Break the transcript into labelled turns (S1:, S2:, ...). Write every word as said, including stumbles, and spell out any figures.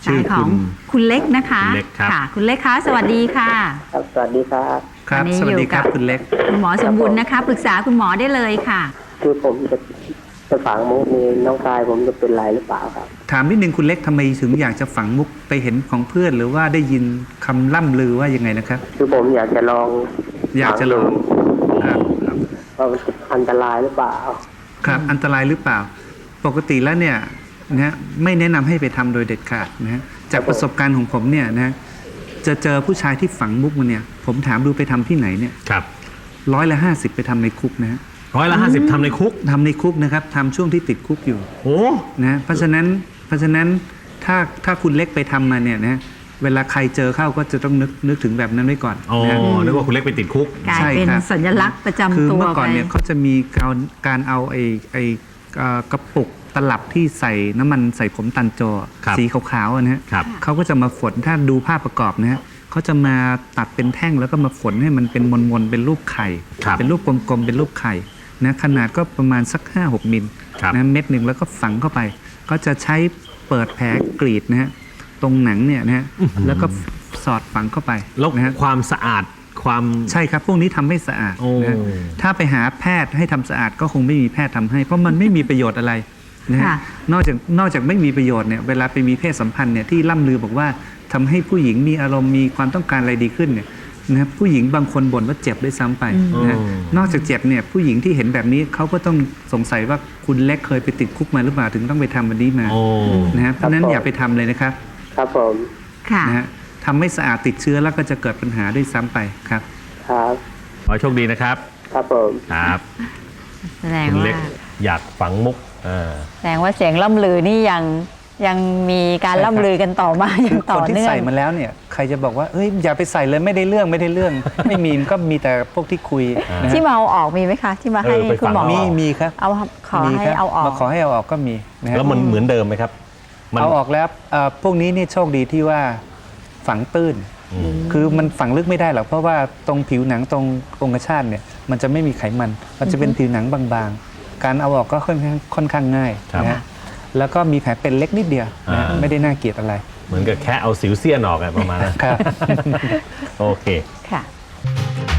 S1: สายของคุณเล็กนะคะ
S2: คุณเล็กครับ
S1: ค่ะคุณเล็กคะสวัสดีค่ะ
S3: ครับสวัสดีครับ
S4: ครับ
S1: วันนี้
S4: สวัสดี
S1: อยู่
S4: ค
S1: กั
S4: รั
S1: บบ
S4: คุณเล็ก
S1: คุณหมอสมบูรณ์นะคะปรึกษาคุณหมอได้เลยค่ะ
S3: คือผมจะจะฝังมุกนี้น้องชายผมจะเป็นไรหรือเปล่าครับ
S4: ถามนิดนึงคุณเล็กทำไมถึงอยากจะฝังมุกไปเห็นของเพื่อนหรือว่าได้ยินคำล่ำลือว่ายังไงนะครับ
S3: คือผมอยากจะลอง
S4: อยากจะลอง ครับครับ
S3: ว่ามันจะอันตรายหรือเปล่า
S4: ครับอันตรายหรือเปล่า ปกติแล้วเนี่ยนะฮะไม่แนะนำให้ไปทำโดยเด็ดขาดนะฮะจากประสบการณ์ของผมเนี่ยนะฮะจะเจอผู้ชายที่ฝังมุกมาเนี่ยผมถามดูไปทำที่ไหนเนี่ย
S2: ครับ
S4: ร้อยละห้าสิบไปทำในคุกนะฮะ
S2: ร้อยละห้าสิบทำในคุก
S4: ทำในคุกนะครับทำช่วงที่ติดคุกอยู่
S2: โอ้
S4: นะฮะเพราะฉะนั้นเพราะฉะนั้นถ้าถ้าคุณเล็กไปทำมาเนี่ยนะฮะเวลาใครเจอเข้าก็จะต้องนึกนึกถึงแบบนั้นไว้ก่อน
S2: อ๋อ
S4: นะฮะ
S2: นึกว่าคุณเล็กไปติดคุก
S1: กลาย
S4: ใช่
S1: เป็น
S4: ครับ
S1: สัญลักษณ์ประจำ
S4: คือ
S1: ตัว
S4: เมื่อก่อนเนี่ย
S1: ไป
S4: เขาจะมีการการเอาไอ้ไอ้เอ่อกระปุกตลับที่ใส่น้ำมันใส่ผมตันโจ
S2: ครับ
S4: สีขาวๆอะนะฮะ
S2: ครับ
S4: เขาก็จะมาฝนถ้าดูภาพประกอบนะฮะเขาจะมาตัดเป็นแท่งแล้วก็มาฝนให้มันเป็นมนๆเป็นรูปไข่
S2: ครับ
S4: เป็นรูปกลมๆเป็นรูปไข่นะขนาดก็ประมาณสัก ห้าหก มิล
S2: ครับ
S4: นะเม็ดหนึ่งแล้วก็ฝังเข้าไป ก็จะใช้เปิดแผลกรีดนะฮะตรงหนังเนี่ยนะฮะแล้วก็สอดฝังเข้าไป
S2: แล้ว
S4: นะฮะ
S2: ความสะอาดความ
S4: ใช่ครับ พวกนี้ทำให้สะอาด
S2: โอ้
S4: นะฮะถ้าไปหาแพทย์ให้ทำสะอาดก็คงไม่มีแพทย์ทำให้ เพราะมันไม่มีประโยชน์อะไรนะฮะ
S1: ค่ะ
S4: นอกจากนอกจากไม่มีประโยชน์เนี่ยเวลาไปมีเพศสัมพันธ์เนี่ยที่ล่ำลือบอกว่าทำให้ผู้หญิงมีอารมณ์มีความต้องการอะไรดีขึ้นเนี่ยนะครับผู้หญิงบางคนบ่นว่าเจ็บด้วยซ้ำไปนะฮะนอกจากเจ็บเนี่ยผู้หญิงที่เห็นแบบนี้เขาก็ต้องสงสัยว่าคุณเล็กเคยไปติดคุกมาหรือเปล่าถึงต้องไปทำวันนี้มา
S2: โอ้
S4: นะฮะเพราะฉะนั้นอย่าไปทำเลยนะครับ
S3: ครับผม
S1: ค่ะ
S4: นะฮะทำไม่สะอาดติดเชื้อแล้วก็จะเกิดปัญหาด้วยซ้ำไปครับ
S3: ครับ
S2: ขอให้โชคดีนะครับ
S3: ครับผม
S2: ครับ
S1: แสดง
S2: คุณ
S1: ว่า
S2: เล็กอยากฝังมุกเออ
S5: แสดงว่าเสียงล่ำลือนี่ยังยังมีการ
S4: ใช่ครับ
S5: ล่ำลือกันต่อมาอย่าง
S4: ค
S5: ต่อน
S4: ที่
S5: เนื่อง
S4: ใส่มาแล้วเนี่ยใครจะบอกว่าเอ้ยอย่าไปใส่เลยไม่ได้เรื่องไม่ได้เรื่อง ไม่มีมันก็มีแต่พวกที่คุยนะฮะ
S5: ที่มาเอาออกมีไหมคะ ที่มาให้
S2: เออไป
S5: คุณหมอ
S2: ฝัง
S4: มีมีครับ
S5: เอาขอ
S4: มี
S5: ให้
S4: ครับ
S5: เอาออก
S4: มาขอให้เอาออกก็มีนะฮะ
S2: แล้วมันเหมือนเดิมไหมครับมัน
S4: เอาออกแล้วเอ่อพวกนี้นี่โชคดีที่ว่าฝังตื้น
S2: อืม
S4: คือมันฝังลึกไม่ได้หรอกเพราะว่าตรงผิวหนังตรงองคชาตเนี่ยมันจะไม่มีไขมัน มันจะเป็นผิวหนังบางๆ การเอาออกก็ค่อนข้างค่อนข้างง่าย
S2: ครับ
S4: นะฮะแล้วก็มีแผลเป็นเล็กนิดเดียวนะฮะ
S2: อ่า
S4: ไม่ได้น่าเกลียดอะไร
S2: เหมือนกับแค่เอาสิวเสี้ยนออกอะประมาณนั้น
S4: ครับ
S2: โอเค
S5: ค่ะ